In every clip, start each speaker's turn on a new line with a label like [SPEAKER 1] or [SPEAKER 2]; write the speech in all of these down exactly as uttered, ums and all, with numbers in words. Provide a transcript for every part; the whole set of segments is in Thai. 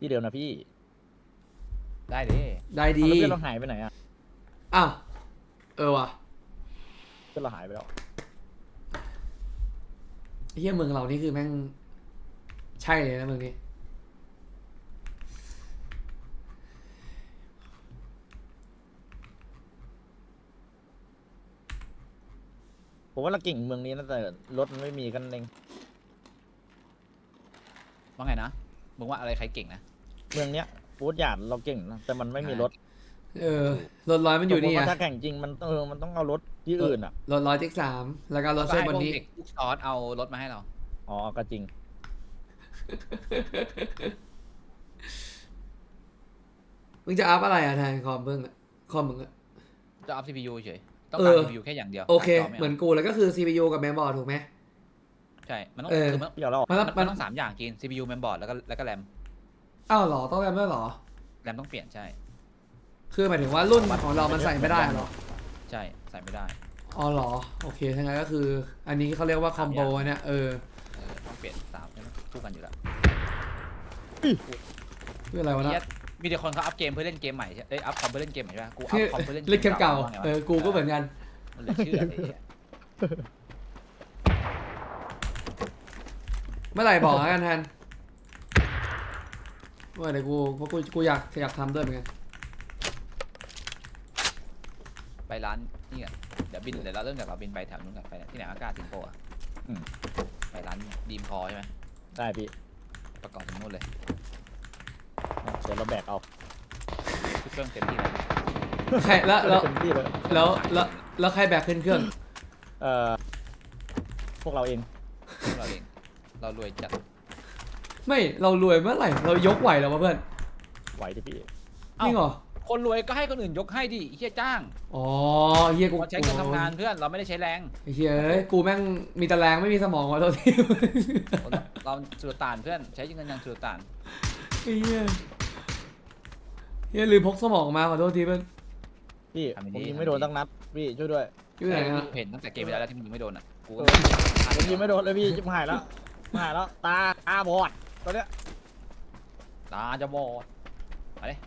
[SPEAKER 1] ที่เดิมนะพี่
[SPEAKER 2] ได้ดิ
[SPEAKER 3] ได้ดี
[SPEAKER 1] เอาแล้วเพื่อนเราหายไปไหนอ่ะ
[SPEAKER 3] อ้าวเออว่ะ
[SPEAKER 1] เพื่อนเราหายไปแล้ว
[SPEAKER 3] ไอ้เหี้ยเมืองเรานี่คือแม่งใช่เลยนะเมืองนี้
[SPEAKER 1] ผมว่าเราเก่งเมืองนี้นะแต่รถมันไม่มีกันเอง
[SPEAKER 2] ว่าไงนะมึงว่าอะไรใครเก่งนะ
[SPEAKER 1] เมืองเนี้ยฟูดหยาดเราเก่งนะแต่มันไม่มีรถ
[SPEAKER 3] เออรถร้อยมันอยู่นี่
[SPEAKER 1] สมมุติ
[SPEAKER 3] อ่ะ
[SPEAKER 1] ว่าถ้าแข่งจริงมันเออมันต้องเอารถที่อื่นอ่ะ
[SPEAKER 3] รถร้อยเจ็กสามแล้วก็รถ
[SPEAKER 2] ก็
[SPEAKER 3] เส้น
[SPEAKER 2] ให้
[SPEAKER 3] บ
[SPEAKER 2] พ
[SPEAKER 3] น
[SPEAKER 2] วก
[SPEAKER 3] นี้
[SPEAKER 2] เด็กลูกซอสเอารถมาให้เรา
[SPEAKER 1] อ๋อก็จริง
[SPEAKER 3] มึงจะอัพอะไรอ่ะแทนคอมเบิ้งอ่ะคอมมึงอ่ะ
[SPEAKER 2] จะอัพ ซี พี ยู เฉยต้อง
[SPEAKER 3] เอ
[SPEAKER 2] การ
[SPEAKER 3] อ
[SPEAKER 2] ซี พี ยู แค่อย่างเดียว
[SPEAKER 3] โอเค
[SPEAKER 2] การจไ
[SPEAKER 3] เหมือนกูแล้วก็คือ ซี พี ยู กับแมมบอร์ดถูกไหม
[SPEAKER 2] ใช่มันต้อง
[SPEAKER 3] เออ
[SPEAKER 2] คือมัน
[SPEAKER 1] เดี๋ยวเรา
[SPEAKER 3] มัน
[SPEAKER 2] มัน
[SPEAKER 3] มัน
[SPEAKER 2] ต้องสามอย่างกิน ซี พี ยู แมมบอร์ดแล้วก็แล้วก็แรม
[SPEAKER 3] อ้าวเหรอต้องแรมด้วยเหรอ
[SPEAKER 2] แรมต้องเปลี่ยนใช่
[SPEAKER 3] คือหมายถึงว่ารุ่นของเรามันใส่ไม่ได้เหรอ
[SPEAKER 2] ใช่ใส่ไม่ได้
[SPEAKER 3] อ๋อเหรอโอเคทั้างนั้นก็คือ อันนี้เขาเรียกว่าคอมโบเนี่ยเออ
[SPEAKER 2] เออต้องเปลี่ยนสามใช่ไหมคู่กันอยู่แล้ว
[SPEAKER 3] คืออะไรวะ
[SPEAKER 2] เหี้
[SPEAKER 3] นะ
[SPEAKER 2] ยมีแต่คนเขาอัพเกมเพื่อเล่นเกมใหม่ใช่เอ้ยอัพคอมเพื่อเล่นเกมใหม่ใช่ไหมกูอัพ
[SPEAKER 3] คือ
[SPEAKER 2] คอมเพื่อเล่น
[SPEAKER 3] เล่นเกมเก่า
[SPEAKER 2] ว่ไงวะ
[SPEAKER 3] เออกูก็เหมือนกัน
[SPEAKER 2] มันเหลือเชื่อเลยเนี่ย
[SPEAKER 3] เมื่อไหร่บอกแล้วกันแทนว่าเดี๋ยวกูเพราะกูกูอยากอยากทำด้วยเหมือนกัน
[SPEAKER 2] ไปร้านนี่กันเดี๋ยวบินเดี๋ยวเราเริ่มจากเราบินไปแถวนู้นกันไปที่ไหนอากาศสิงคโปร์อ่ะ
[SPEAKER 1] อืม
[SPEAKER 2] ไปร้านดีมพอใช่ไหม
[SPEAKER 1] ได้พี่
[SPEAKER 2] ประกอบทั้งหมดเลย
[SPEAKER 1] เดี๋ยวเราแบกเอา
[SPEAKER 2] ทุกเครื่องเต็มที่แล้ว
[SPEAKER 3] ใครแล้วแล้ว
[SPEAKER 1] เต็มที่เลย
[SPEAKER 3] แล้วแล้วแล้วใครแบกขึ้นเครื่อง
[SPEAKER 1] เอ่อพวกเราเอง
[SPEAKER 2] พวกเราเองเรารวยจัด
[SPEAKER 3] ไม่เรารวยเมื่อไหร่เรายกไหวแล้ววะเพื่อน
[SPEAKER 1] ไหวดิพี่
[SPEAKER 3] จริงเหรอ
[SPEAKER 2] คนรวยก็ให้คนอื่นยกให้ดิเฮียจ้าง
[SPEAKER 3] อ๋อเฮียกู
[SPEAKER 2] เราใช้เงินทำงานเพื่อนเราไม่ได้ใช้แรง
[SPEAKER 3] ไอ้เฮียเอ้ยกูแม่งมีแต่แรงไม่มีสมองวะตัวที่
[SPEAKER 2] เราสุดตานเพื่อนใช้เงินอย่างสุดตาน
[SPEAKER 3] ไอ้เฮียเฮียลืมพกสมองมาขอโทษทีเพื่อน
[SPEAKER 1] พี่ผมยิงไม่โดนตั้งนัดพี่ช่วยด้วย
[SPEAKER 3] อยู่ไหนอะ
[SPEAKER 2] เห็นตั้งแต่เกมไปแล้วที่มึงไม่โดนอ่ะกู
[SPEAKER 1] เออผมยิงไม่โดนเลยพี่จิบหายแล้วหายแล้วตาตาบอดตอนเนี้ย
[SPEAKER 2] ตาจะบอดมาเลย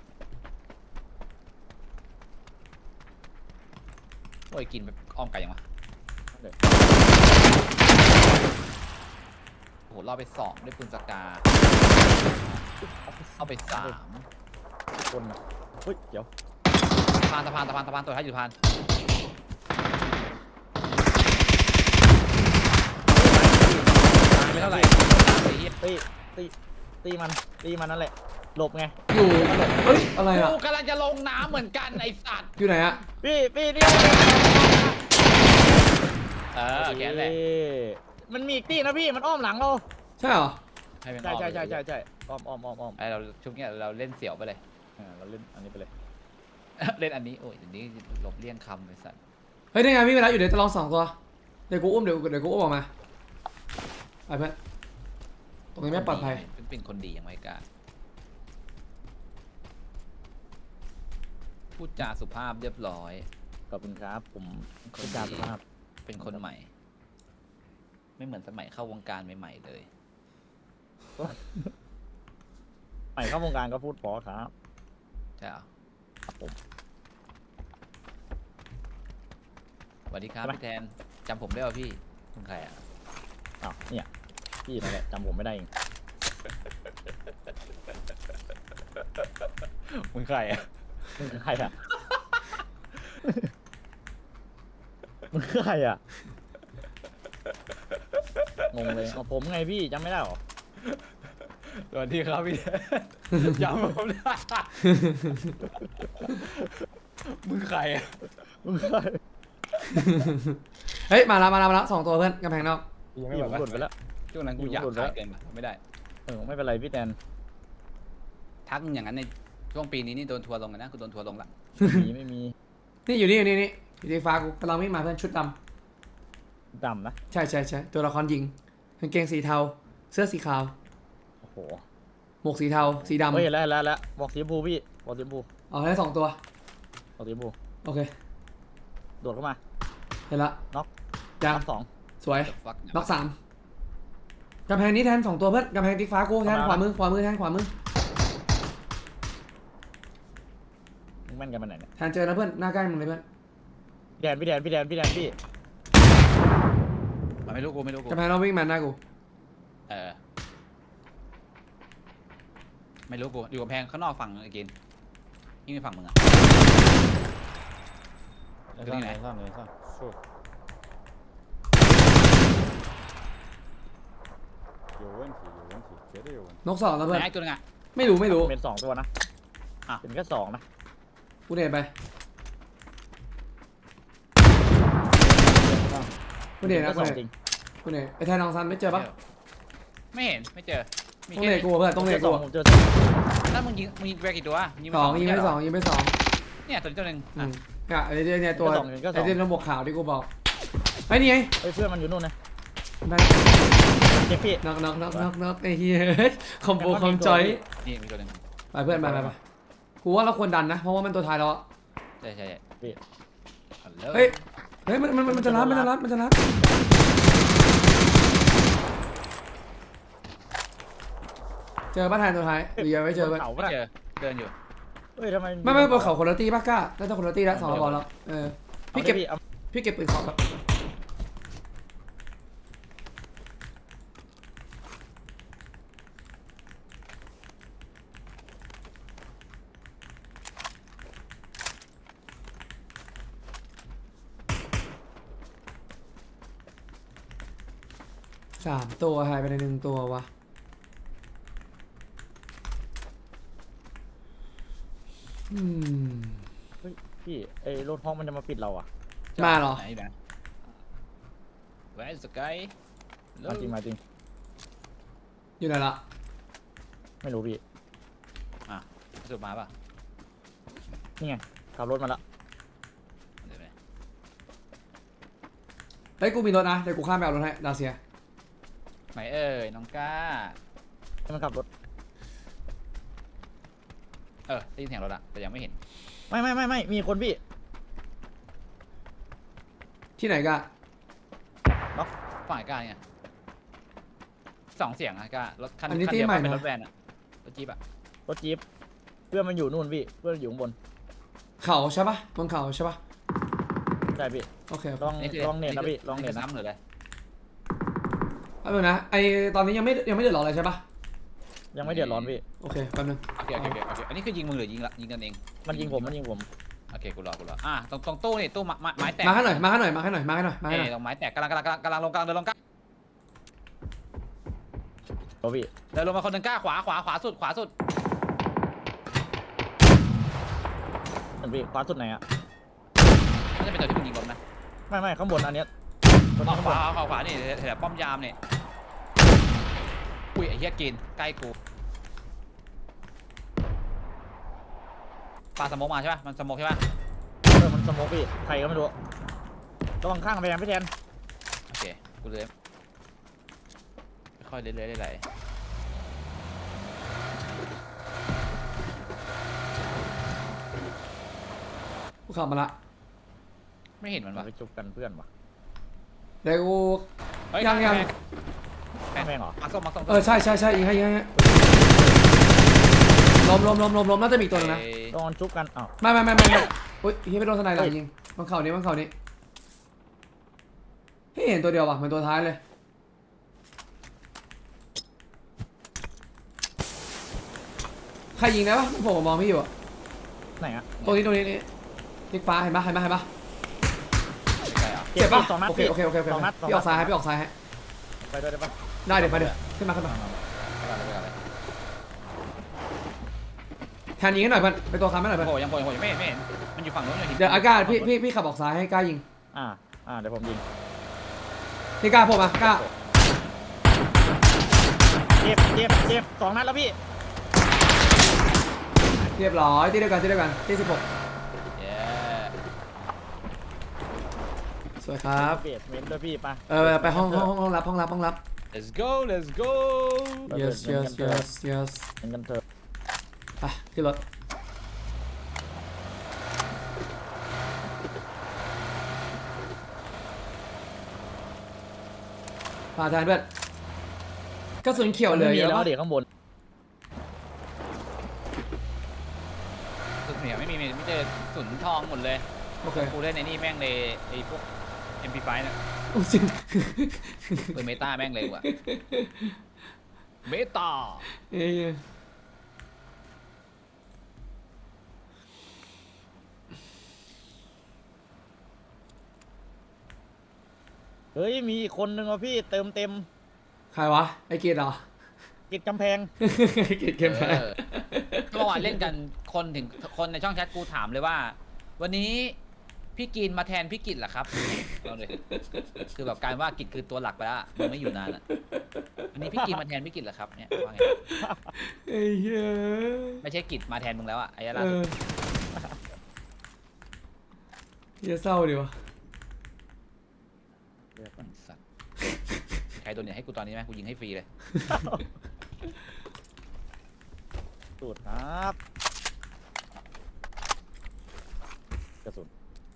[SPEAKER 2] โอ้ยกินแบบอ้อมไก่ยังวะโอ้โหเราไปสองด้วยปืนสกาเอาไปสาม
[SPEAKER 1] คนน่ะเฮ้ยเดี๋ยว
[SPEAKER 2] สะพานสะพานสะพานสะพานตัวท้ายอยู่สะพานไม่เท่าไหร่ไอ้เหี้ย
[SPEAKER 1] ตีตีตีมันตีมันนั่นแหละหลบไง
[SPEAKER 3] อยู่เฮ้ยอะไรอะ
[SPEAKER 2] กูกำลังจะลงน้ำเหมือนกันไอ้สัตว์
[SPEAKER 3] อยู่ไหนอะ
[SPEAKER 1] พี่พี่นี่
[SPEAKER 2] เออแกแหละ
[SPEAKER 1] มันมีอีกตีนะพี่มันอ้อมหลังเรา
[SPEAKER 3] ใช่เหรอ
[SPEAKER 2] ให้เป็น
[SPEAKER 1] ใช่
[SPEAKER 2] อ้อม
[SPEAKER 1] ใช่ใช่ใช่ใช่อ้อมอ้อมอ้อมอ้อม
[SPEAKER 2] ไอเราชุดเนี้ยเราเล่นเสี่ยวไปเลย
[SPEAKER 1] อ่าเราเล่นอันนี้ไปเลย
[SPEAKER 2] เล่นอันนี้โอ้ยเดี๋ยวนี้หลบเลี่ยงคำไอ้สัตว์
[SPEAKER 3] เฮ้ยได้ไงพี่เวลาอยู่เดี๋ยวจะลองสองตัวเดี๋ยวกูอุ้มเดี๋ยวเดี๋ยวกูอุ้มออกมาไปเพื่อนตรงนี้ไม่ปลอดภัย
[SPEAKER 2] เป็นเป็นคนดีอย่างไรกล้าพูดจาสุภาพเรียบร้อย
[SPEAKER 1] ขอบคุณครับผม
[SPEAKER 2] ค
[SPEAKER 1] คุ
[SPEAKER 2] น
[SPEAKER 1] ณ
[SPEAKER 2] ดี
[SPEAKER 1] จาสุภาพ
[SPEAKER 2] เป็นคนใหม่ ไม่เหมือนสมัยเข้าวงการใหม่ๆเลย
[SPEAKER 1] ใหม่เข้าวงการก็พูดพอครับ
[SPEAKER 2] ใช่เหรอ
[SPEAKER 1] ครับผม
[SPEAKER 2] สวัสดีครับพี่แทนจำผมได้ป่ะพี่มึงใครอ่ะ
[SPEAKER 1] อ้าวเนี่ยพี่นั่นแหละจำผมไม่ได้เอง
[SPEAKER 2] มึงใครอ่ะ
[SPEAKER 1] มึงคือใครอ่ะ มึงคือใครอ่ะงงเลยเอาผมไงพี่จำไม่ได้หรอ
[SPEAKER 2] สวัสดีครับพี่แทนจำผมได้มึงใครอ่ะ
[SPEAKER 1] มึงคือใคร
[SPEAKER 3] เฮ้ยมาแล้วมาแล้วมาแล้วสองตัวเพื่อนกำแพงนอก
[SPEAKER 2] ยังไม่
[SPEAKER 1] พี่
[SPEAKER 2] แบ
[SPEAKER 1] ผ
[SPEAKER 2] บ
[SPEAKER 1] ม
[SPEAKER 2] ว่า
[SPEAKER 1] หลุดไปแล้ว
[SPEAKER 2] ช่วงนั้นกูอยากขายเกินไปไม่ได้
[SPEAKER 1] เออไม่เป็นไรพี่แทน
[SPEAKER 2] ทักอย่างนั้นในช่วงปีนี้นี่โดนทัวร์ลงกันนะกูโดนทัวร์ลงละ
[SPEAKER 1] ไม่มีไม่มี
[SPEAKER 3] นี่อยู่นี่อยู่นี่นี่อยู่ที่ฟ้ากูกำลังวิ่งมาเพื่อนชุดด
[SPEAKER 1] ดำนะ
[SPEAKER 3] ำใช่ใช่ใช่ตัวละครหญิงกางเกงสีเทาเสื้อสีขาว
[SPEAKER 1] โอ้โห
[SPEAKER 3] หมวกสีเทาสีดำ
[SPEAKER 1] เฮ้ยแล้วแล้วแล้วบอกสีชมพูพี่บอกสีชมพู
[SPEAKER 3] อ๋อได้สองตัว
[SPEAKER 1] บอกสีชมพู
[SPEAKER 3] โอเค
[SPEAKER 1] โดดเข้ามา
[SPEAKER 3] เห็นละ
[SPEAKER 1] น็อก
[SPEAKER 3] ยัง
[SPEAKER 1] น็อกสอง
[SPEAKER 3] สวย
[SPEAKER 2] ฟัก
[SPEAKER 3] น็อกสามกำแพงนี้แทนสองตัวเพื่อนกำแพงติ๊กฟ้ากูแทนขวามือขวามือแทนขวามือ
[SPEAKER 1] ม่นกันไปไหนเนี่ย
[SPEAKER 3] แทนเจอนะเพื่อนหน้าใกล้มึงเลยเพื่อน
[SPEAKER 1] พี่แดนพี่แดนพี่แดนพี่แดนพี่
[SPEAKER 2] มันไม่รู้กูไม่รู้กู
[SPEAKER 3] กำแพงเราวิ่งมาหน้ากู
[SPEAKER 2] เออไม่รู้กูอยู่กำแพงข้างนอกฝั่งไอ้กินยิ่งไปฝั่งมึงอะ
[SPEAKER 1] เดี๋ยวซ่อนเดี๋ยวซ่อนเดี๋ยวซ่อนสู้有问题有问题绝对有问题
[SPEAKER 3] นกสองนะเพื่อน
[SPEAKER 2] ไหนไอ้ตัวนึงอะ
[SPEAKER 3] ไม่รู้ไม่รู้
[SPEAKER 1] เป็นสองตัวนะ
[SPEAKER 2] อ่ะ
[SPEAKER 1] เป็นแค่สองนะ
[SPEAKER 3] กูเดินไปกูเดินนะ
[SPEAKER 1] ป็
[SPEAKER 3] กู
[SPEAKER 1] แค่ส
[SPEAKER 3] เดิ
[SPEAKER 1] อง
[SPEAKER 3] น
[SPEAKER 1] จริง
[SPEAKER 3] กูเดินไอ้แทนลองซันไม่เจอปะ
[SPEAKER 2] ไม่เห็นไม่เจอมี
[SPEAKER 3] ต้อง
[SPEAKER 2] แค่
[SPEAKER 3] เดินกูเพื่อนต้องเดิน
[SPEAKER 1] เจอส
[SPEAKER 3] กู
[SPEAKER 1] องผมเจอสอง
[SPEAKER 2] แล้วมึงยิงมึงยิงไปกี่ตัวยิง
[SPEAKER 3] สองยิงไป
[SPEAKER 2] ม่ใช่เหร
[SPEAKER 3] สองยิงไปสอง
[SPEAKER 2] เนี่ยตัวนี้ตัวหนึ่ง
[SPEAKER 3] อื
[SPEAKER 2] อ่ะ
[SPEAKER 3] มอ่ะไอ้เนี่ยเนี่ยตัว
[SPEAKER 1] ก็สองก็ส
[SPEAKER 3] ไอ้
[SPEAKER 1] อง
[SPEAKER 3] เรื่องบวกขาวที่กูบอกไอ้นี่ไง
[SPEAKER 1] เฮ้ยเพื่อนมันอยู่นู่นนะ
[SPEAKER 3] ได้
[SPEAKER 1] เจ็บพี่
[SPEAKER 3] น็อกน็อกน็อกน็อกน็อกไอ้เหี้ยคอมโบคอมจอย
[SPEAKER 2] นี่มีตัวหนึ่ง
[SPEAKER 3] ไปเพื่อนไปไปไปกูว่าเราควรดันนะเพราะว่ามันตัวท้ายแล้วอะ
[SPEAKER 2] ใช่ใช่ใช่
[SPEAKER 1] พี่
[SPEAKER 3] เฮ้ยเฮ้ยมันมันมันจะรัดมันจะรัดมันจะรัดเจอป้าแทนตัวท้ายหรือยังไม่เจอ
[SPEAKER 1] บ
[SPEAKER 3] เพื่อน
[SPEAKER 1] นเขา
[SPEAKER 2] ไม่
[SPEAKER 1] ปะ
[SPEAKER 2] เจ
[SPEAKER 1] น่ะ
[SPEAKER 2] อเดินอยู่
[SPEAKER 1] เฮ้ยทำไม
[SPEAKER 3] ไม่ไม่บนเขาคนละตีป้ากล้าน่าจะคนละตีแล้วสองกระบอกแล้วเออ
[SPEAKER 1] พี่
[SPEAKER 3] พี่
[SPEAKER 1] เก็
[SPEAKER 3] เก็
[SPEAKER 1] บบ
[SPEAKER 3] พี่เก็บปืนของแล้วสามตัวหายไปในหนึ่งตัววะอืม
[SPEAKER 1] พี่ไอ้รถห้องมันจะมาปิดเราอ่ะ
[SPEAKER 3] มาเหรอ
[SPEAKER 2] ไหนแบบ Where is the guy
[SPEAKER 1] มาจริงมาจริง
[SPEAKER 3] อยู่ไหนละ
[SPEAKER 1] ไม่รู้พี่
[SPEAKER 2] อ่ะสุดมาป่ะ
[SPEAKER 1] นี่ไงขับรถมาละ
[SPEAKER 2] เดี๋ยวไป
[SPEAKER 3] เฮ้ยกูมีรถนะเดี๋ยวกูข้ามไปเอารถให้ดาเซีย
[SPEAKER 2] ไหนเอ้ยน้องก้า
[SPEAKER 1] ให้มันขับรถ
[SPEAKER 2] เออได้ยินเสียงรถละแต่ยังไม่เห็น
[SPEAKER 1] ไม่ไม่ไม่ไม่มีคนพี่
[SPEAKER 3] ที่ไหนกะ
[SPEAKER 2] ฝั่งไอ้ก้าเนี่ยสองเสียงอะก้ารถคัน
[SPEAKER 3] อันนี้
[SPEAKER 2] คั
[SPEAKER 3] ที่
[SPEAKER 2] เดียว
[SPEAKER 3] ใหม่
[SPEAKER 2] เป็น
[SPEAKER 3] นะ
[SPEAKER 2] รถแวนอะรถจี๊ปอะ
[SPEAKER 1] รถจี๊ปเพื่อนมันอยู่นู่นพี่เพื่อนอยู่ข้างบน
[SPEAKER 3] เขาใช่ปะบนเขาใช่ปะ
[SPEAKER 1] ใช่พี่
[SPEAKER 3] โอเค
[SPEAKER 1] ลอง
[SPEAKER 2] นี่คือ
[SPEAKER 1] ลองเน็ตนะพี่ลองเน็ต
[SPEAKER 2] คือ
[SPEAKER 1] นะ
[SPEAKER 2] ซ้ำหรืออะไร
[SPEAKER 3] เอาดูนะไอตอนนี้ยังไม่ยังไม่เดือดร้อนเลยใช่ปะ
[SPEAKER 1] ยังไม่เดือดร้อนพี่
[SPEAKER 3] โอเคแป๊บนึง
[SPEAKER 2] โอเคโอเคโอเคโอเคอันนี้คือยิงมึงหรือยิงละยิงกันเอง
[SPEAKER 1] มันยิงผมมันยิงผม
[SPEAKER 2] โอเคกูรอกูรออ่ะตรงตรงตู้นี่ตู้ไม้ไม้ไม้แตก
[SPEAKER 3] มาให้หน่อยมาให้หน่อยมาให้หน่อยมาให้หน่อยมาให้หน่อย
[SPEAKER 2] เอ้ยตรงไม้แตกกำลังกำลังกำลังกำลังลงกำลังเดินลงก้า
[SPEAKER 1] โอ้พี่
[SPEAKER 2] เดินลงมาคนหนึ่งก้าขวาขวาขวาสุดขวาสุด
[SPEAKER 1] มันพี่ขวาสุดไหนอ่ะ
[SPEAKER 2] น่าจะเป็นตัวที่มึงยิงผมนะ
[SPEAKER 1] ไม่ไม่ข้างบนอันเนี้ยตัว
[SPEAKER 2] อ๋
[SPEAKER 1] นี้
[SPEAKER 2] อ
[SPEAKER 1] ข้าง
[SPEAKER 2] ข
[SPEAKER 1] บ
[SPEAKER 2] วาน ขวาขวานี่แถวป้อมยามเนี่ยอุ้ยไอ้เหี้ยกินใกล้กูปลาสโมกมาใช่ป่ะมันสโมกใช่ป่ะ
[SPEAKER 1] เออมันสโมกพี่ใครก็ไม่รู้ระวังข้างไปยังพี่แทน
[SPEAKER 2] โอเคกูเลยค่อยๆเรื่อยๆไหล
[SPEAKER 3] กูขับมาละ
[SPEAKER 2] ๆไม่เห็นมันวะ
[SPEAKER 1] ไปจุกกันเพื่อนวะ
[SPEAKER 3] เดี๋ยวกู
[SPEAKER 2] เฮ้ย
[SPEAKER 3] ยังยัง
[SPEAKER 2] แม่ง
[SPEAKER 1] แม่งเหรอ
[SPEAKER 2] มาส้มมาส้ม
[SPEAKER 3] เออใช่ใช่ใช่ยิงให้ยิงให้ล้มล้มล้มล้มล้มน่าจะมีอีกตัวหนึงนะ
[SPEAKER 2] เอ้ย
[SPEAKER 1] ลองจุกกันอ้าว
[SPEAKER 3] ไม่ไม่ไม่ไม่ไม่อุ้ยเฮียไปโดนสไนด์หลังยิงมันเข่านี้มันเข่านี้เฮ้ยเห็นตัวเดียวว่ะมันตัวท้ายเลยใครยิงได้ปะผมมองไม่อยู่อะ
[SPEAKER 1] ไหนอ่ะ
[SPEAKER 3] ตรงนี้ตรงนี้นี่ติ๊กฟ้าเห็นปะเห็นปะเห็นปะ
[SPEAKER 2] ใกล้ๆอ่ะ
[SPEAKER 3] เจ็บปะ
[SPEAKER 1] สองนัด
[SPEAKER 3] โอเค
[SPEAKER 1] พี่
[SPEAKER 3] โอเคโอเคโอเค
[SPEAKER 1] สองนัดสอง
[SPEAKER 3] พี่อ
[SPEAKER 1] นั
[SPEAKER 3] อ
[SPEAKER 1] ด
[SPEAKER 3] กซ้ายให้พี่ออกซ้ายให้
[SPEAKER 1] ไปด้วยได้ปะ
[SPEAKER 3] ได้เดี๋ยวไปเดี๋ยวขึ้นมาขึ้นมา
[SPEAKER 2] ไปก่อนเลยไปก่อนเลย
[SPEAKER 3] แทนยิงให้หน่อยเพื่อนไปตัวค้ำให้หน่อยเพื่อน
[SPEAKER 2] โอ้ยังโผล่ยังโผล่ยังไม่เห็นไม่เห็นมันอยู่ฝั่งโน้นอยู่หิน
[SPEAKER 3] เดี๋ยวอากาศพี่พี่พี่ขับออกซ้ายให้กล้ายิง
[SPEAKER 1] อ่าอ่าเดี๋ยวผมยิง
[SPEAKER 3] พี่กล้าผมอ่ะกล้า
[SPEAKER 1] เจ็บเจ็บเจ็บสองนัดแล้วพี่
[SPEAKER 3] เรียบร้อยที่เดียวกันที่เดียวกันที่สิบหก
[SPEAKER 2] เย้
[SPEAKER 3] สวยครับ
[SPEAKER 1] เบสเมนต์ด้วยพี่ไป
[SPEAKER 3] เออไปห้องห้องห้องห้องรับห้องรับห้องรับ
[SPEAKER 2] let's go let's go
[SPEAKER 3] yes yes yes yes
[SPEAKER 1] เห็นกันเถอะ
[SPEAKER 3] ไปที่รถพาแทนเพื่อนกระสุนเขียวเหลือเยอะ
[SPEAKER 1] แล้ว
[SPEAKER 3] ปะ
[SPEAKER 1] เดี๋ยวข้างบน
[SPEAKER 2] สุดเหนียวไม่มีไม่เจอเลยสุนทองหมดเลย
[SPEAKER 3] โอเค
[SPEAKER 2] กูเล่นไอ้นี่แม่งเลยไอ้พวก เอ็ม พี ไฟว์ เนี่ย
[SPEAKER 3] โอ้จริง
[SPEAKER 2] เออเมตาแม่งเลยว่ะเมตา
[SPEAKER 3] เอ้ย
[SPEAKER 1] เฮ้ยมีอีกคนนึงอ่ะพี่เติมเต็ม
[SPEAKER 3] ใครวะไอ้เกียรติเหรอ
[SPEAKER 1] กิดกำแพง
[SPEAKER 3] ไอ้เกียรติเกมแพ้
[SPEAKER 2] เออเมื่อวานเล่นกันคนถึงคนในช่องแชทกูถามเลยว่า วันนี้พี่กินมาแทนพี่กิจเหรอครับเอาเลยคือแบบการว่ากิจคือตัวหลักไปแล้วมึงไม่อยู่นานอ่ะวันนี้พี่กินมาแทนพี่กิจเหรอครับเนี่ยว่าไง
[SPEAKER 3] ไอ้เหี้ย
[SPEAKER 2] ไม่ใช่กิจมาแทนมึงแล้วอ่ะไอ้ล่า
[SPEAKER 3] เอ
[SPEAKER 2] สุ
[SPEAKER 3] อ
[SPEAKER 2] ด
[SPEAKER 3] เหี้ยเศร้าดิวะ
[SPEAKER 2] สัตว์ใครโดนเนี่ยให้กูตอนนี้ไหมกูยิงให้ฟรีเลย
[SPEAKER 1] สูตรครับกระสุน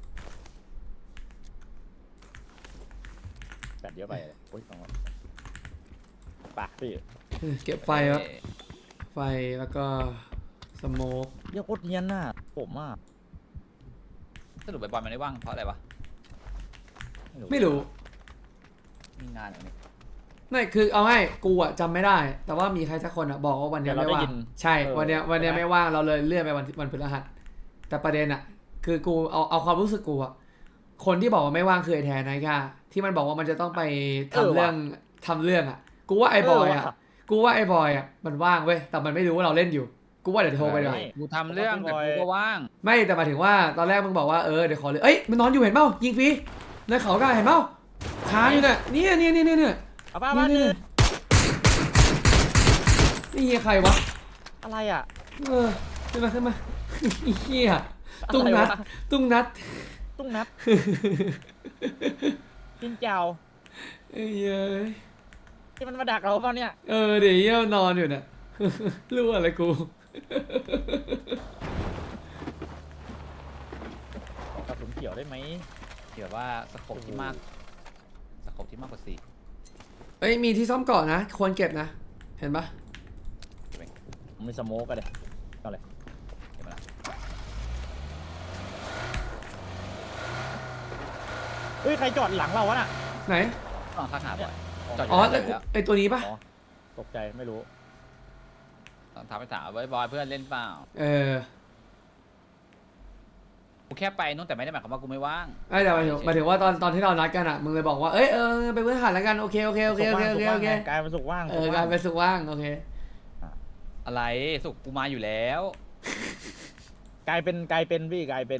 [SPEAKER 1] แปดเยอะไปเลยโอ้ยสองร้อยปากพี่
[SPEAKER 3] เก็บไฟวะไฟแล้วก็สโมก
[SPEAKER 1] เยอะโคตรเนียนน่ะผมอ่ะ
[SPEAKER 2] สรุปไปบอลมันได้ว่างเพราะอะไรวะ
[SPEAKER 3] ไม่รู้
[SPEAKER 2] มีงานอะไรเนี่ย
[SPEAKER 3] ไม่คือเอาให้กูอะจำไม่ได้ แต่ว่ามีใครสักคนอะบอกว่าวันเนี้ยไม่ว่างใช่วันเนี้ยวันเนี้ยไม่ว่างเราเลยเลื่อนไปวันวันพฤหัสแต่ประเด็นอะคือกูเอาเอาความรู้สึกกูอะคนที่บอกว่าไม่ว่างคือไอแทนนะแค่ที่มันบอกว่ามันจะต้องไปทำเรื่องทำเรื่องอะกูว่าไอบอยอะกูว่าไอบอยอะมันว่างเว้ยแต่มันไม่รู้ว่าเราเล่นอยู่กูว่าเดี๋ยวโทรไปดีกว่า
[SPEAKER 2] กูทำเรื่องแต่กูก็ว่าง
[SPEAKER 3] ไม่แต่หมายถึงว่าตอนแรกมึงบอกว่าเออเดี๋ยวขอเลยเอ้ยมันนอนอยู่เห็นเปล่ายิงฟรีในเขาก็เห็นเปล่าค้างอยู่เนี่ยเนี่ยเนี่ยเนี่ยเนี่ย
[SPEAKER 1] เอาป้าบ้านนึง
[SPEAKER 3] นี่เฮียใครวะ
[SPEAKER 1] อะไรอ่ะ
[SPEAKER 3] เออขึ้นมาขึ้นมาเฮียตุ้งนัด
[SPEAKER 1] อะไรวะ
[SPEAKER 3] ตุ้งนัด
[SPEAKER 1] ตุ้งนัดกินเจ้า
[SPEAKER 3] เอ้ยเอ้ย
[SPEAKER 1] ที่มันมาดักเราเปล่าเนี่ย
[SPEAKER 3] เออเดี๋ยวเฮียนอนอยู่เนี่ย รู้อะไรกู
[SPEAKER 1] ขอกระสุนเขียวได้ไหม
[SPEAKER 2] ที่แบบว่าสโคปที่มากสโคปที่มากกว่าสี่
[SPEAKER 3] เอ้ยมีที่ซ่อมเกาะนะควรเก็บนะ เห็นปะ
[SPEAKER 1] ผมมีสโมกกันเลยเอาเลย
[SPEAKER 2] เห็นไหมล่ะ
[SPEAKER 1] เฮ้ยใครจอดหลังเราวะน่ะ
[SPEAKER 3] ไหน
[SPEAKER 2] ต้องทักหาบ่อยจอดอ
[SPEAKER 3] อ๋อยู่
[SPEAKER 2] แล้
[SPEAKER 3] แต่
[SPEAKER 2] ว
[SPEAKER 3] ไอตัวนี้ปะ
[SPEAKER 1] อ๋อตกใจไม่รู้
[SPEAKER 2] ต้องทักไปถามไว้บอยเพื่อนเล่นเปล่า
[SPEAKER 3] เออ
[SPEAKER 2] กูแค่ไปนู่นแต่ไม่ได้หมายความว่ากูไม่ว่าง
[SPEAKER 3] ไอ้แต่หมายถึงหมายถึงว่าตอนตอนที่เรานัดกันอ่ะมึงเลยบอกว่าเอ้ยเออไปพื้นฐานแล้วกันโอเคโอเคโอเคโอเคโอเคโอเค
[SPEAKER 1] กลายเป็นสุกว่าง
[SPEAKER 3] เออกลายเป็นสุกว่างโอเค
[SPEAKER 2] อะไรสุกกูมาอยู่แล้ว
[SPEAKER 1] กลายเป็นกลายเป็นพี่กลายเป็น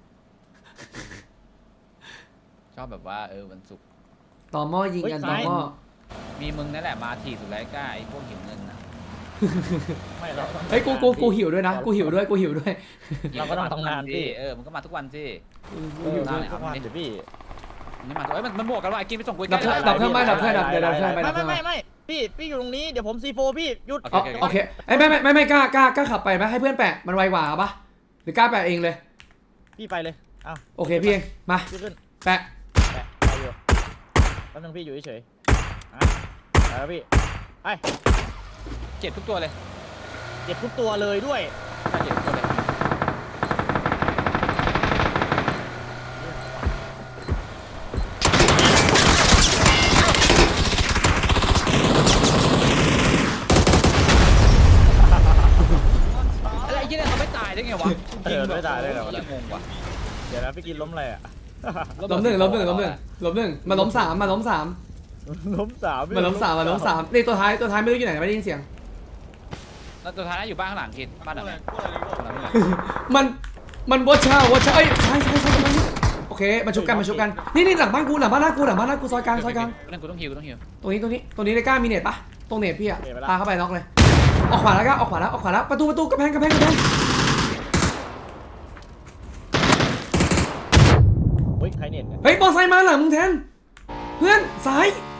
[SPEAKER 2] ชอบแบบว่าเออวันศุกร์
[SPEAKER 3] ต่อหม้อยิงกันต่อหม้อ
[SPEAKER 2] มีมึงนั่นแหละมาถีบสุดแล้วกล้าไอ้พวกหิวเงินนะ
[SPEAKER 1] ไม่เราต้อง
[SPEAKER 3] เฮ้ยกูกูกูหิวด้วยนะกูหิวด้วยกูหิวด้วย
[SPEAKER 1] เราก็ต้องทำงาน
[SPEAKER 2] สิ
[SPEAKER 1] พี่
[SPEAKER 2] เออมึงก็มาทุกวันสิ
[SPEAKER 3] กูหิวด้วย
[SPEAKER 1] ทุกวันเดี๋ยวพี่
[SPEAKER 2] มึงไม่มาทุกเอ้ยมันมันบวกกันว่ะไอ้กินไปส่งกู
[SPEAKER 3] ดับ
[SPEAKER 2] ใกล้
[SPEAKER 3] เครื่องดับเครื่องไม่ดับเครื่องดับเดี๋ยวดับเครื่องไปดั
[SPEAKER 1] ไม่
[SPEAKER 3] บเค
[SPEAKER 1] ไม่
[SPEAKER 3] รื่อง
[SPEAKER 1] ไม่ไม่พี่พี่อยู่ตรงนี้เดี๋ยวผมซีโฟพี่หยุด
[SPEAKER 3] อ๋อโอเคไอ้ยไม่ไม่ไม่ไม่กล้ากล้ากล้าขับไปไหมให้เพื่อนแปะมันไวกว่าปะหรือกล้าแปะเองเลย
[SPEAKER 1] พี่ไปเลยอ้าว
[SPEAKER 3] โอเคพี่เองมา
[SPEAKER 1] พี่ขึ้น
[SPEAKER 3] แปะ
[SPEAKER 1] แปะไปอยู่แป๊บนึงพี่อยู่เฉยๆอ่ะไปแล้วพี่ไป
[SPEAKER 2] เจ็บทุกตัวเลย
[SPEAKER 1] เจ็บทุกตัวเลยด้วย
[SPEAKER 2] ใช่เจ็บทุกตัวเลยอะไรไอ้เหี้ยเนี่ยเขาไม่ตายได้ไงวะ
[SPEAKER 1] เออไม่ตายได้ไงวะ
[SPEAKER 2] เหี้ยงงว่ะ
[SPEAKER 1] เดี๋ยวนะพี่กินล้มอะไรอ่ะ
[SPEAKER 3] ล้มหนึ่งล้มหนึ่งล้มหนึ่งล้มหนึ่งมาล้มสามมาล้มสาม
[SPEAKER 1] ล้มสาม
[SPEAKER 3] มาล้มสามมาล้มสามนี่ตัวท้ายตัวท้ายไม่รู้อยู่ไหนไม่ได้ยินเสียง
[SPEAKER 2] แล้วตัวท้ายอยู่บ้านข้างหลังกินบ้านหลังไหนหลังไหน
[SPEAKER 3] มันมันวัชชาวัชชาเอ้ยใช่ใช่ใช่ใช่โอเคมาชุบกันมาชุบกันนี่นี่หลังบ้านกูหลังบ้านหน้ากูหลังบ้านหน้ากูซอยกลางซอยกลาง
[SPEAKER 2] นั่นกูต้องฮิวต้องฮิว
[SPEAKER 3] ตรงนี้ตรงนี้ตรงนี้ได้กล้ามีเน็ตปะตรงเน็ตพี่อะพาเข้าไปน็อกเลยออกขวาแล้วก็ออกขวาแล้วออกขวาแล้วประตูประตูกระแพงกระแพงกระแพง
[SPEAKER 1] เฮ้ยใครเน็ตเนี่ย
[SPEAKER 3] เฮ้ยมอไซค์มาหลังมึงแทนเพื่อนซ้าย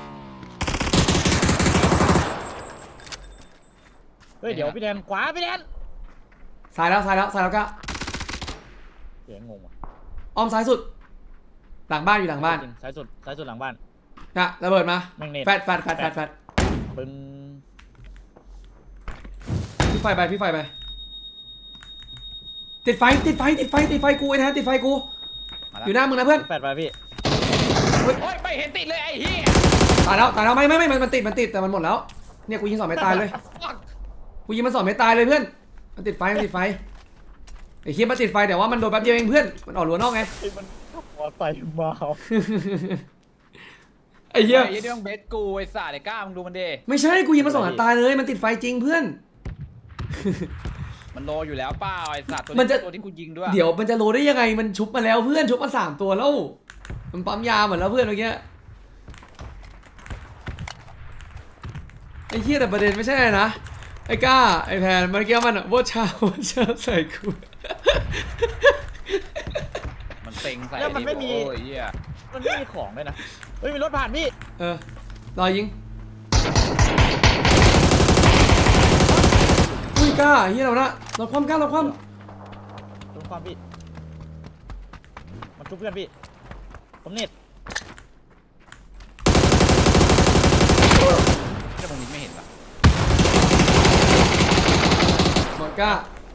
[SPEAKER 1] เฮ้ยเดี๋ยวพี่แดนขวาพี่แดน
[SPEAKER 3] ซ้ายแล้วซ้ายแล้วซ้ายแล้วก็
[SPEAKER 1] เสียงงงว่ะ
[SPEAKER 3] อ้อมซ้ายสุด หลังบ้านอยู่หลังบ้าน
[SPEAKER 1] จริงซ้ายสุดซ้ายสุดหลังบ้าน
[SPEAKER 3] นะระเบิดมา
[SPEAKER 1] แม่งเน็ต
[SPEAKER 3] แฟดแฟดแฟดแฟดแฟด
[SPEAKER 1] ปึ้ง
[SPEAKER 3] พี่ไฟไปพี่ไฟไปเจติดไฟติดไฟติดไฟติดไฟกูไอ้แทนติดไฟกู
[SPEAKER 2] มาแล้ว
[SPEAKER 3] อยู่หน้ามึงนะเพื่อน
[SPEAKER 1] แปดไปพี่
[SPEAKER 2] โอ้ยไม่เห็นติดเลยไอ้เหี้ย
[SPEAKER 3] ตายแล้วตายแล้วไม่ไม่ไม่มันมันติดมันติดแต่มันหมดแล้วเนี่ยกูยิงสองไม่ตายเลยกูยิงมันสองไม่ตายเลยเพื่อนมันติดไฟมันติดไฟไอ้เคียมันติดไฟแต่ว่ามันโดนแป๊บเดียวเองเพื่อนมันออกรั้วนอกไง
[SPEAKER 1] ไอ้มันมอไซค์มา
[SPEAKER 3] ไอ้เหี้ย
[SPEAKER 2] ไอ้เหี้ยนี่ต้องเบสกูไอ้สัตว์ไอ้ก้ามึงดูมันดิ
[SPEAKER 3] ไม่ใช่กูยิงมันสองนัดตายเลยมันติดไฟจริงเพื่อน
[SPEAKER 2] มันโลอยู่แล้วเปล่าไอ้สัตว์ตัว
[SPEAKER 3] มัน
[SPEAKER 2] นี้
[SPEAKER 3] จะ
[SPEAKER 2] ตัวที่กูยิงด้วย
[SPEAKER 3] เดี๋ยวมันจะโลได้ยังไงมันชุบมาแล้วเพื่อนชุบมาสามตัวแล้วมันปั๊มยาหมดแล้วเพื่อนเมื่อกี้ไอ้เหี้ยแต่ประเด็นไม่ใช่อะไรนะไอ้ก้าไอ้แพนเมื่อกี้มันอะว่าชาว่าชาใส่กู
[SPEAKER 2] มันเต็งใส่
[SPEAKER 1] แล้วมันไม่มี
[SPEAKER 2] โอ้ยเหี้ย
[SPEAKER 1] มันไม่มีของเลยนะเฮ้ยมีรถผ่านพี่
[SPEAKER 3] เออรอยิงอุ้ยกล้าเฮียเราละเราคว่ำกล้าเราคว่
[SPEAKER 1] ตรงความพี่มันทุบเพื่อนพี่ผมเน็ต
[SPEAKER 2] แต่ผมยิงไม่เห็นปะ
[SPEAKER 3] ำหมดกล้า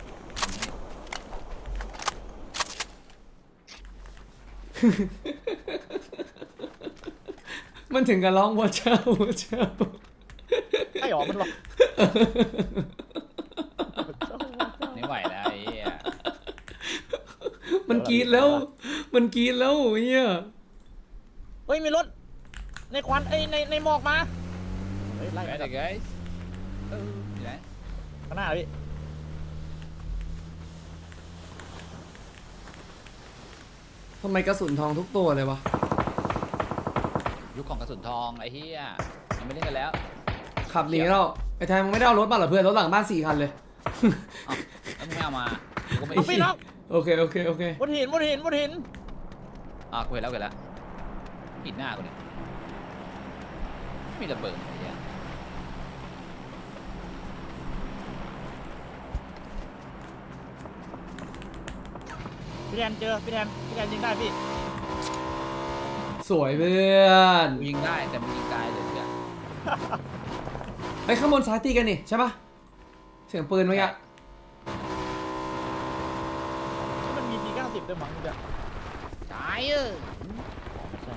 [SPEAKER 3] มันถึงกับร้องว่าเช้าว่าเช้า
[SPEAKER 1] ไอ้หรอมันหรอก
[SPEAKER 2] ไม่ไหวแล้วไอ้เหี้ย
[SPEAKER 3] มันกรีดแล้ว มันกรีดแล้วเฮีย
[SPEAKER 1] เฮ้ยมีรถในควันไอ้ในในหมอกมาเฮ้ยไล่
[SPEAKER 2] ไป
[SPEAKER 1] มา
[SPEAKER 2] เด็กไอ้เอออยู่ไหน
[SPEAKER 1] ข้างหน้าพี่
[SPEAKER 3] ทำไมกระสุนทองทุกตัวเลยวะ
[SPEAKER 2] ยุคของกระสุนทองไอ้เหี้ยยังไม่เล่นกันแล้ว
[SPEAKER 3] ขับหนีแล้วไอ้แทนมึงไม่ได้เอารถมาเหรอเพื่อนรถหลังบ้านสี่คันเลย
[SPEAKER 2] เอ้าแล้วมึงไม่เอามากูก็ไม่
[SPEAKER 1] เอาพี่น้อง
[SPEAKER 3] โอเคโอเคโอเค
[SPEAKER 1] บนหินบนหินบนหิน
[SPEAKER 2] อ่ะกูเห็นแล้วกูเห็นแล้วปิดหน้ากูเนี่ยไม่มีระเบิดไอ้เหี้ย
[SPEAKER 1] พี่แทนเจอพี่แทนพี่แทนยิงได้พี่
[SPEAKER 3] สวยเพื่อน
[SPEAKER 2] กูยิงได้แต่มึงยิงตายเลยเพื่อน
[SPEAKER 3] ไอ้ยข้างบนซ้ายตีกันนี่ใช่ปะเสียงปืนเมื่อกี้
[SPEAKER 1] มันมีทีเก้าสิบด้วยมั้งเนี่ย
[SPEAKER 2] ตายเออ
[SPEAKER 1] ใช่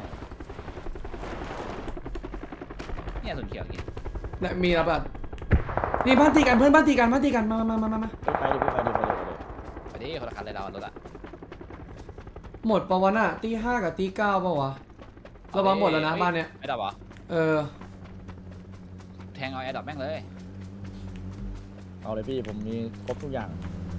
[SPEAKER 2] เนี่ยส่วนเขียวอย่างงี้
[SPEAKER 3] และมีระเบิดนี่บ้านตีกันเพื่อนบ้านตีกันบ้านตีกันมามามามามา
[SPEAKER 1] ไปดิไปดิไปดิไปดิ
[SPEAKER 2] ไปดิคนละคันเลยเรารถอะ
[SPEAKER 3] หมดปะวะน่ะตีห้ากับตีเก้าปะวะระวังหมดแล้วนะบ้านเนี้ย
[SPEAKER 2] ไม่ดับเหรอ
[SPEAKER 3] เออ
[SPEAKER 2] แทงเอาแอร์ดับแม่งเลย
[SPEAKER 1] เอาเลยพี่ผมมีครบทุกอย่าง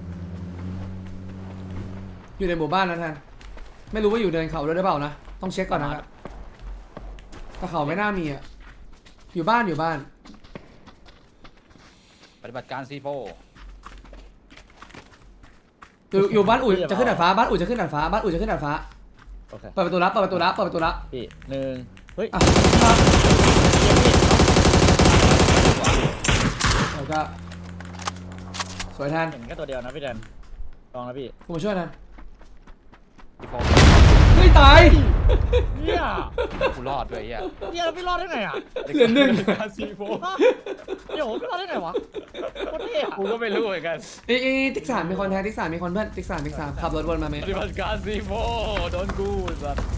[SPEAKER 3] อยู่ในหมู่บ้านนะแทนไม่รู้ว่าอยู่เดินเขาด้วยหรือเปล่านะต้องเช็คก่อนนะครับแต่เขาไม่น่ามีอ่ะอยู่บ้านอยู่บ้าน
[SPEAKER 2] ปฏิบัติการซีโฟ
[SPEAKER 3] อยู่อยู่บ้านอุ่ยจะขึ้นดาดฟ้าบ้านอุ่ยจะขึ้นดาดฟ้าบ้านอุ่ยจะขึ้นดาดฟ้า
[SPEAKER 1] โอเค
[SPEAKER 3] เปิดประตูรับเปิดประตูรับเปิดประตูรับ
[SPEAKER 1] พี่หนึ่งเฮ้ย
[SPEAKER 3] อ่ะแล้วก็สวยแทน
[SPEAKER 1] เห็นแค่ตัวเดียวนะพี่แทนลองนะพี่
[SPEAKER 3] กูมาช่วยแทน
[SPEAKER 2] ซีโฟ
[SPEAKER 3] ไม่ตาย
[SPEAKER 1] เนี่ย
[SPEAKER 2] กูรอดด้วยไอ้เหี้ย
[SPEAKER 1] เนี่ยเราพี่รอดได้ไงอ่ะ
[SPEAKER 3] เหลือหนึ่ง
[SPEAKER 2] การซีโฟ
[SPEAKER 1] ฮะเดี๋ยวผมพี่รอดได้ไงวะโคตรเท่อะ
[SPEAKER 2] กูก็ไม่รู้เหมือนกัน
[SPEAKER 3] เอ้ยเอ้ยติ๊กสามมีคนแทนติ๊กสามมีคนเพื่อนติ๊กสามติ๊กสามขับรถวนมาไหม
[SPEAKER 2] ปฏิบัติการซีโฟโดนกูสัตว์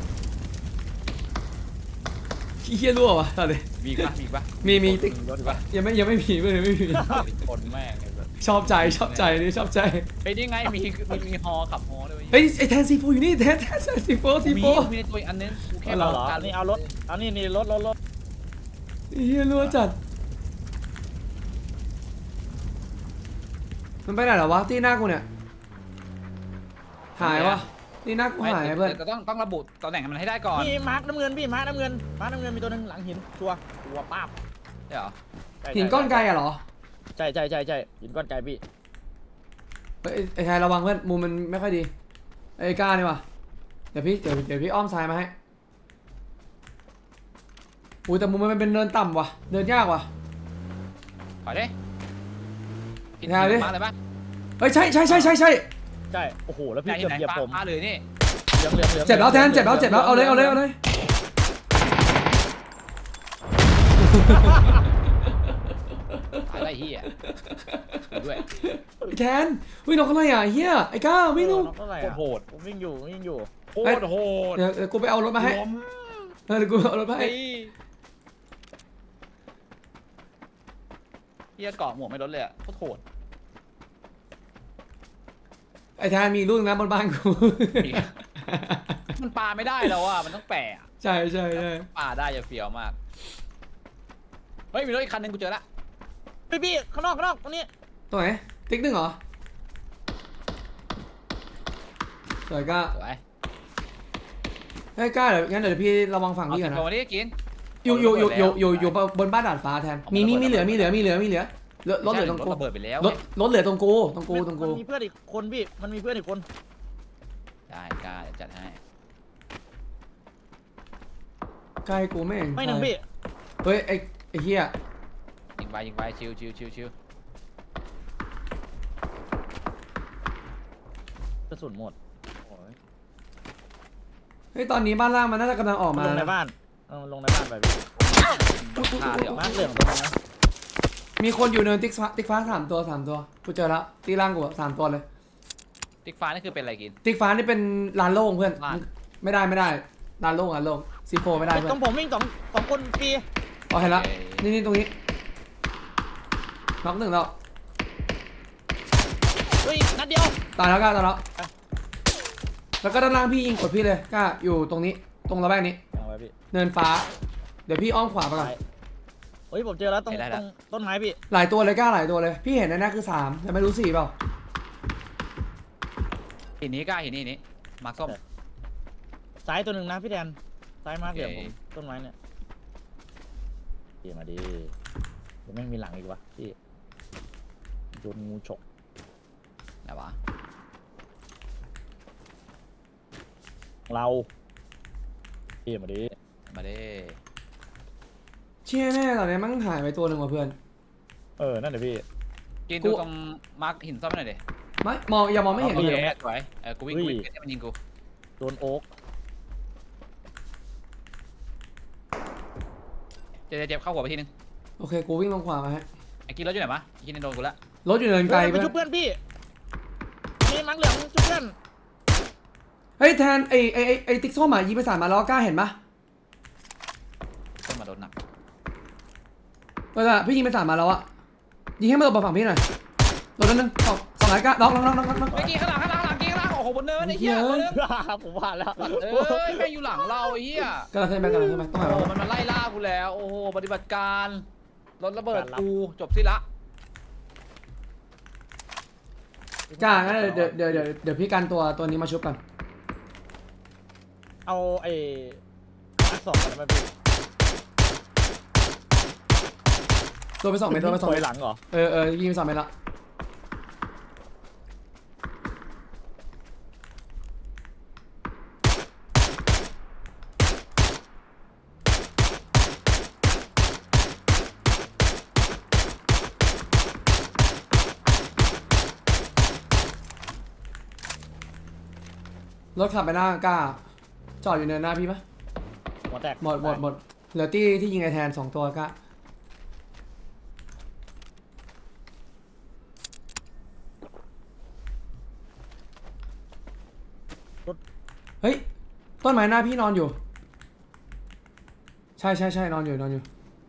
[SPEAKER 3] ขี้เหี้ยรั่ววะตอนนี้
[SPEAKER 2] มีอีกปะมีอีกปะ
[SPEAKER 3] มีมีติ๊ก
[SPEAKER 2] รถอีกปะ
[SPEAKER 3] ยังไม่ยังไม่มีเพื่อนยังไม่มี
[SPEAKER 2] คนแม่งไอ้สัตว์
[SPEAKER 3] ชอบใจชอบใจนี่ชอบใจ
[SPEAKER 2] เฮ้ยนี่ไงมีมีมีฮอขับฮอด้วย
[SPEAKER 3] เฮ้ยไอแทนซีโฟอยู่นี่แทนแทนซีโฟซี
[SPEAKER 2] มี
[SPEAKER 3] โฟ
[SPEAKER 2] มีในตัวอีกอันนึงกูแค่
[SPEAKER 1] เอาเหรอ
[SPEAKER 2] การ
[SPEAKER 1] นี่เอารถเอานี่นี่รถรถรถ
[SPEAKER 3] เฮียรั่วจัดมันไปไหนเหรอวะที่หน้ากูเนี่ยหายวะที่หน้ากูหายเพื่อน
[SPEAKER 2] แต่ต้องต้องระบุตำแหน่งมันให้ได้ก่อน
[SPEAKER 1] พี่มาร์คน้ำเงินพี่มาร์คน้ำเงินมาร์คน้ำเงินมีตัวหนึงหลังหินชัวร์ชัวร์ป้าบ
[SPEAKER 2] ใช่เหรอ
[SPEAKER 1] ใช่
[SPEAKER 3] หินก้อนไกลอะเหรอ
[SPEAKER 1] ใช่ใช่ใช่ใช่หินก้อนไกลพี่
[SPEAKER 3] เฮ้ยไอ้ไอ้ชายระวังเพื่อนมุมมันไม่ค่อยดีไอ้ก้านี่วะเดี๋ยวพี่เดี๋ยวเดี๋ยวพี่อ้อมซ้ายมาให้อุ้ยแต่มุมมันเป็นเนินต่ำว่ะเดินยากว่ะ
[SPEAKER 2] ขอดิผิด
[SPEAKER 3] แนวดิ
[SPEAKER 2] มาเลยปะ
[SPEAKER 3] เฮ้ยใช่ใช่ใช่ใช่ใช่
[SPEAKER 1] ใช่โอ้โหแล้ว
[SPEAKER 2] ไหน
[SPEAKER 1] พี่
[SPEAKER 2] อ
[SPEAKER 1] เกื
[SPEAKER 2] ยู่
[SPEAKER 1] อบ
[SPEAKER 2] ไหน
[SPEAKER 1] เหยียบ
[SPEAKER 2] ฟ้า
[SPEAKER 1] ผม
[SPEAKER 2] ฟ้าเลยนี่
[SPEAKER 1] เหลืองเหลืองเหลือง
[SPEAKER 3] เจ็บแล้วแทนเจ็บแล้วเจ็บแล้วเอาเลยเอาเลยเอาเลย
[SPEAKER 2] ตายไรไอ้เหี้ยอยู่ด้วย
[SPEAKER 3] แทนวิ่งนกอะไรอ่ะเฮียไอ้ก้าวิ่งนก
[SPEAKER 1] เท่าไหร่
[SPEAKER 2] โคตรโหด
[SPEAKER 1] ผมวิ่งอยู่วิ่งอยู่
[SPEAKER 2] โคตรโหด
[SPEAKER 3] เดี๋ยวเดี๋ยวกูไปเอารถมาให้
[SPEAKER 2] ล้ม
[SPEAKER 3] เออเดี๋ยวกูเอารถมาให้
[SPEAKER 2] ไอ้เหี้ยเกาะหมวกไม่ลดเลยอะโคตรโหด
[SPEAKER 3] ไอ้แทนมีลูกนะบนบ้านกู
[SPEAKER 2] อีกมันปาไม่ได้แล้วอ่ะมันต้องแปะอะ
[SPEAKER 3] ใช่ใช่ใช่
[SPEAKER 2] ปาได้จะเฟี้ยวมากเฮ้ยมีรถอีกคันหนึงกูเจอละ
[SPEAKER 1] พี่พี่ข้างนอกข้างนอกตรงนี้
[SPEAKER 3] ตัวไหนติ๊กหนึ่งเหรอสวยก้า
[SPEAKER 2] สวย
[SPEAKER 3] เฮ้ยก้าเดี๋ยวงั้นเดี๋ยวพี่ระวังฝั่ง
[SPEAKER 2] เอา
[SPEAKER 3] พี่
[SPEAKER 2] สิ
[SPEAKER 3] ก่อน
[SPEAKER 2] บ
[SPEAKER 3] นะ
[SPEAKER 2] โลนี้กิน
[SPEAKER 3] อยู่อยู่อยู่อยู่อยู่
[SPEAKER 2] เอา
[SPEAKER 3] อยู่บนบ้านดาดฟ้าแทน
[SPEAKER 2] เอา
[SPEAKER 3] มี
[SPEAKER 2] มา
[SPEAKER 3] มี
[SPEAKER 2] ระเบิด
[SPEAKER 3] มีเหลือมีเหลือมีเหลือมีเหลือเหลือรถเหลือตรง
[SPEAKER 2] รถ
[SPEAKER 3] กู
[SPEAKER 2] ระเบิดไปแล้ว
[SPEAKER 3] รถรถเหลือตรงกูตรงกูตรงกู
[SPEAKER 1] มันมีเพื่อนอีกคนพี่มันมีเพื่อนอีกคน
[SPEAKER 2] ได้กล้าเดี๋ยวจัดให้
[SPEAKER 3] ใกล้กูไม่เห็น
[SPEAKER 1] ไม่หนึ่งพี่
[SPEAKER 3] เฮ้ยไอ้ไอ้เหี้ย
[SPEAKER 2] ยิงไปยิงไปชิวชิวชิวชิว
[SPEAKER 1] กระสุนหมดโอ้ย
[SPEAKER 3] เฮ้ยตอนนี้บ้านล่างมันน่าจะกำลังออก
[SPEAKER 1] มัน
[SPEAKER 3] มา
[SPEAKER 1] ลงในบ้านเออลงในบ้านไปพี่
[SPEAKER 2] ฆ่าเดี๋ยว
[SPEAKER 1] มาเหลืองตรงนั้นนะ
[SPEAKER 3] มีคนอยู่เนินติ๊กฟ้าติ๊กฟ้าสามตัวสามตัวกูเจอแล้วตีล่างกูอะสามตัวเลย
[SPEAKER 2] ติ๊กฟ้านี่คือเป็นอะไรกิน
[SPEAKER 3] ติ๊กฟ้านี่เป็นลานโล่งเพื่อน
[SPEAKER 2] ลาน
[SPEAKER 3] ไม่ได้ไม่ได้ลานโล่งลานโล่งซีโฟไม่ได้
[SPEAKER 1] ไอ้
[SPEAKER 3] เพื่
[SPEAKER 1] ต
[SPEAKER 3] อ
[SPEAKER 1] ร
[SPEAKER 3] น
[SPEAKER 1] งผมวิ่งสองสองคนฟรี
[SPEAKER 3] อ๋อเห็นละนี่นี่ตรงนี้น็อกหนึ่งแล้ว
[SPEAKER 1] เฮ้ยนัดเดียว
[SPEAKER 3] ตายแล้วก้าตายแล้วแล้วก็ด้านล่างพี่ยิงกดพี่เลยก้าอยู่ตรงนี้ตรงระแวกนี้
[SPEAKER 1] เอาไว้พี่
[SPEAKER 3] เนินฟ้า เดี๋ยวพี่อ้อมขวาไปก่อน
[SPEAKER 1] ซ้ายเฮ้ยผมเจอแล้วตรงตรงต้นไม้พี่
[SPEAKER 3] หลายตัวเลยก้าหลายตัวเลย พี่เห็นแน่ๆคือสามแต่ไม่รู้สี่เปล่า
[SPEAKER 2] หินนี้กล้าหินนี้หินนี้มาร์คส้ม
[SPEAKER 1] ซ้ายตัวหนึ่งนะพี่แดนซ้ายมาเหลือง
[SPEAKER 2] โอ
[SPEAKER 1] ผ
[SPEAKER 2] เค
[SPEAKER 1] มต้นไม้เนี่ยดีมาดีเดี๋ยวไม่มีหลังอีกวะพี่โดนงูฉก
[SPEAKER 2] ไหนวะ
[SPEAKER 1] เราพี่มาดี
[SPEAKER 2] มาเด้
[SPEAKER 3] เชี่ยแน่ตอนนี้มันหายไปตัวหนึ่งว่ะเพื่อน
[SPEAKER 1] เออนั่นเดี๋ยวพี่
[SPEAKER 2] กิน
[SPEAKER 3] กู
[SPEAKER 2] ดูตรงมาร์คหินส้มหน่อยดิ
[SPEAKER 3] ไม่มองอย่ามองไม่เห็น
[SPEAKER 2] โอ
[SPEAKER 3] เล
[SPEAKER 2] เค
[SPEAKER 3] ย
[SPEAKER 2] สวยเออกูวิ่งกูวิ่งให้มันยิงกู
[SPEAKER 1] โดนโอ๊ก
[SPEAKER 2] เจ็บเจ็บเข้าหัวไปทีนึง
[SPEAKER 3] โอเคกูวิ่งลงขวามาให้
[SPEAKER 2] ไอ้กินรถอยู่ไหนวะไอ้กินโดนกูละ
[SPEAKER 3] รถอยู่เนินไกล
[SPEAKER 1] ไป
[SPEAKER 3] เพื่อน
[SPEAKER 1] ชุบเพื่อนพี่มีมังเหลืองชุบเพื่อน
[SPEAKER 3] เฮ้ยแทนไอไอไอ้ไอติ๊กส้มอ่ะยิงไปสามมาแล้วกล้าเห็นปะ
[SPEAKER 2] ต้นมาโดนหนัก
[SPEAKER 3] เวลาพี่ยิงไปสามมาแล้วอ่ะยิงให้มันหลบมาฝั่งพี่หน่อยโดนนั่นนึงสองสองไหนกล้าน้องน้องน้องน้องน้อง
[SPEAKER 2] ไอ้กินข้างหลังข้างหลังข้างหลังกินข้างหลังโอ้โหบนเนินไอ้เหี้ย
[SPEAKER 3] เหี้ย
[SPEAKER 2] บนเนิน
[SPEAKER 1] ผมว่าแล้ว
[SPEAKER 2] เอ้ยแม่งอยู่หลังเราไอ้เหี้ย
[SPEAKER 3] กำลังขึ้นไปกำลังขึ้นไปต้องหา
[SPEAKER 2] โอ้
[SPEAKER 3] เรา
[SPEAKER 2] มันมาไล่ล่ากูแล้วโอ้โหปฏิบัติการรถระเบิดกูจบสิละ
[SPEAKER 3] กล้างั้นเดี๋ยวเดี๋ยวเดี๋ยวเดี๋ยวพี่กันตัวตัวนี้มาชุบกัน
[SPEAKER 1] เอาไอ้อักสองกันมาพี่
[SPEAKER 3] ตัวไปสองเมตรตัวไปสอง
[SPEAKER 1] ถ
[SPEAKER 3] เม
[SPEAKER 1] อย
[SPEAKER 3] ตร
[SPEAKER 1] หลังเหรอ
[SPEAKER 3] เออเออยิงไปสองเมตรละรถขับไปหน้ากล้าจอดอยู่เนินหน้าพี่ปะ
[SPEAKER 1] หัวแตก
[SPEAKER 3] หมดหมดหมดเหลือที่ที่ยิงไอแทนสองตัวกล้าเฮ้ยต้นไม้หน้าพี่นอนอยู่ ใช่ใช่ใช่นอนอยู่นอนอยู่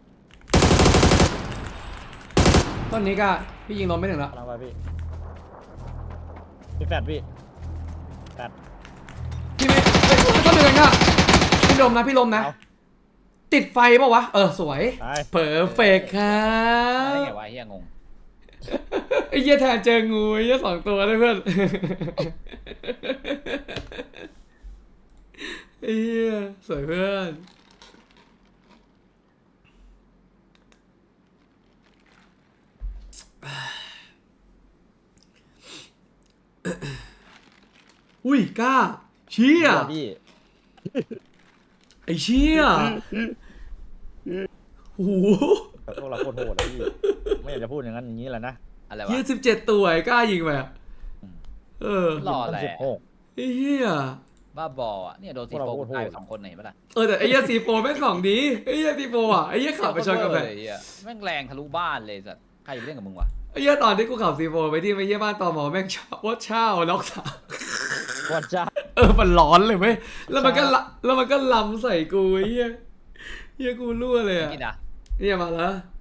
[SPEAKER 3] ต้นนี้ก็พี่ยิงล้มไม่ถึงแล้ว
[SPEAKER 1] กำลังไปพี่พี่แฟดพี่แฟด
[SPEAKER 3] พี่ไม่เฮ้ยต้นเดียวกันก็พี่ลมนะพี่ลมนะ
[SPEAKER 1] เอา
[SPEAKER 3] ติดไฟเปล่าวะเออสวย
[SPEAKER 1] ไป
[SPEAKER 3] เพอร์เฟกครับ
[SPEAKER 2] ได้ไงวะเฮียงง
[SPEAKER 3] ไอ้เหี้ยแทนเจองูไอ้เหี้ยสองตัวเลยเพื่อนไอ้เหี้ยสวยเพื่อนอุ้ยกล้าเชี่ย
[SPEAKER 1] พี่
[SPEAKER 3] ไอ้เชี่ยโอ้โห
[SPEAKER 1] แต่พวกเราโคตรโหดเลยพี่ไม่อยากจะพูดอย่างนั้นอย่างนี้แหละนะ
[SPEAKER 2] อะไรวะ
[SPEAKER 3] เหี้ยสิบเจ็ดตัวไอ้กล้ายิงไปอะเออ
[SPEAKER 2] หล่อแหละ
[SPEAKER 1] สิบหก
[SPEAKER 3] ไอ้เหี้ย
[SPEAKER 2] บ้าบออ่ะเนี่ยโดนซีโฟตายไปสองคนไหนปะล่ะ
[SPEAKER 3] เออแต่ไอ้เหี้ยซีโฟแม่งของดีไอ้เหี้ยซีโฟอ่ะไอ้เหี้ยขับไปชนกับแบบ
[SPEAKER 2] เหี้ยแม่งแรงทะลุบ้านเลยสัตว์ใครจะไปเล่นกับมึงวะ
[SPEAKER 3] ไอ้เหี้ยตอนที่กูขับซีโฟไปที่ไปเยี่ยบ้านตอหมอแม่งชอบว่าเช่าล็อกสาม
[SPEAKER 1] วัดจ้า
[SPEAKER 3] เออมันร้อนเลยไหมแล้วมันก็ละแล้วมันก็ล้ำใส่กูไอ้เหี้ยเหี้ยกูรั่วเลย
[SPEAKER 2] ไม่
[SPEAKER 3] อ่ะ
[SPEAKER 2] กินอ่ะ
[SPEAKER 3] เนี่ยมาแล้ว